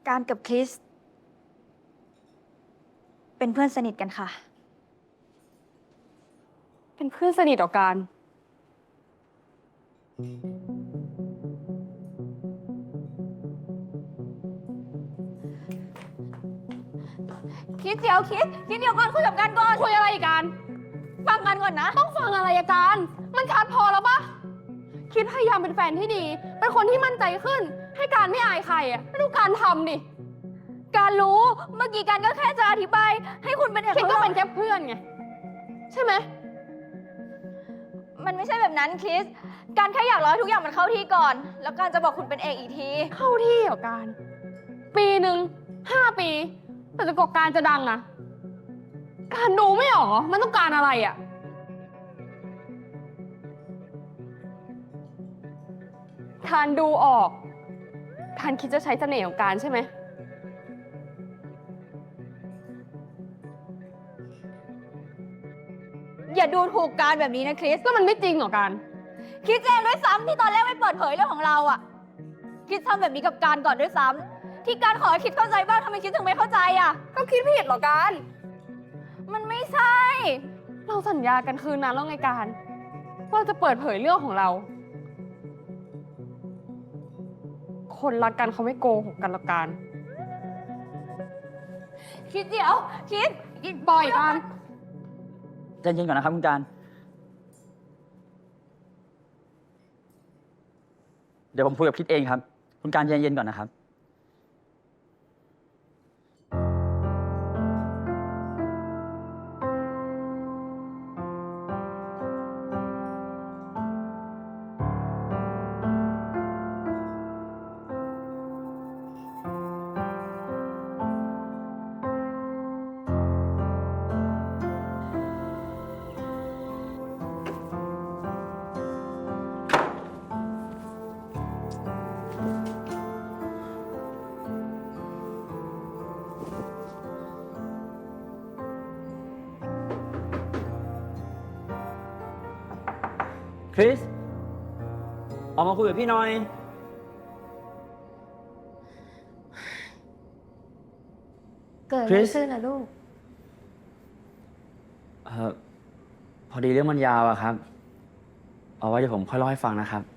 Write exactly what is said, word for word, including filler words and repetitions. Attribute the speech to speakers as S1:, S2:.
S1: การกับคริสเป็นเพื่อนสนิทกันค่ะ
S2: เป็นเพื่อนสนิทต่อกัน
S1: คิดเดี๋ยวคิดคิดเดี๋ยวก่อนคุยกับกันก่อน
S2: คุยอะไรกัน
S1: ฟังกันก่อนนะ
S2: ต้องฟังอะไรกัน มันชัดพอแล้วปะคิดพยายามเป็นแฟนที่ดี เป็นคนที่มั่นใจขึ้น ให้การไม่อายใครอ่ะไม่ดูการทำดิ
S1: การรู้เมื่อกี้กันก็แค่จะอธิบายให้คุณเป็น
S2: คิดก็เป็นแค่เพื่อนไง ใช่ไหม
S1: มันไม่ใช่แบบนั้นคริสการแค่อยากรอให้ทุกอย่างมันเข้าที่ก่อน แล้วการจะบอกคุณเป็นเอกอีกที
S2: เข้าที่เหรอการ ปีหนึ่งห้าปีแต่จะกว่าการจะดังอะการดูไม่ออกเหรอมันต้องการอะไรอะการดูออกการคิดจะใช้เสน่ห์ของการใช่ไหม
S1: อย่าดูถูกการแบบนี้นะคริส
S2: แล้วมันไม่จริงเหรอการ
S1: คิดเองด้วยซ้ำที่ตอนแรกไม่เปิดเผยเรื่องของเราอะคิดทำแบบนี้กับการก่อนด้วยซ้ำที่การขอให้คิดเข้าใจบ้างทำไมคิดถึงไม่เข้าใจอะ
S2: ก็คิดผิดเหรอการ
S1: มันไม่ใช่
S2: เราสัญญากันคืนนั้นแล้วไงการว่าจะเปิดเผยเรื่องของเรา คนรักกันเขาไม่โกหกกันหรอกการ
S1: คิดเดี๋ยวคิด
S2: ปล่อยการ
S3: ใจเย็นก่อนนะครับคุณการ เดี๋ยวผมคุยกับคิดเองครับ คุณการใจเย็นก่อนนะครับคริส ออกมาคุยกับพี่หน่อย
S4: เกิดอะ
S3: คริ
S4: ไร
S3: ส
S4: ขึ้นนะลูก
S3: เอ่อพอดีเรื่องมันยาวอะครับ เอาไว้เดี๋ยวผมค่อยเล่าให้ฟังนะครับ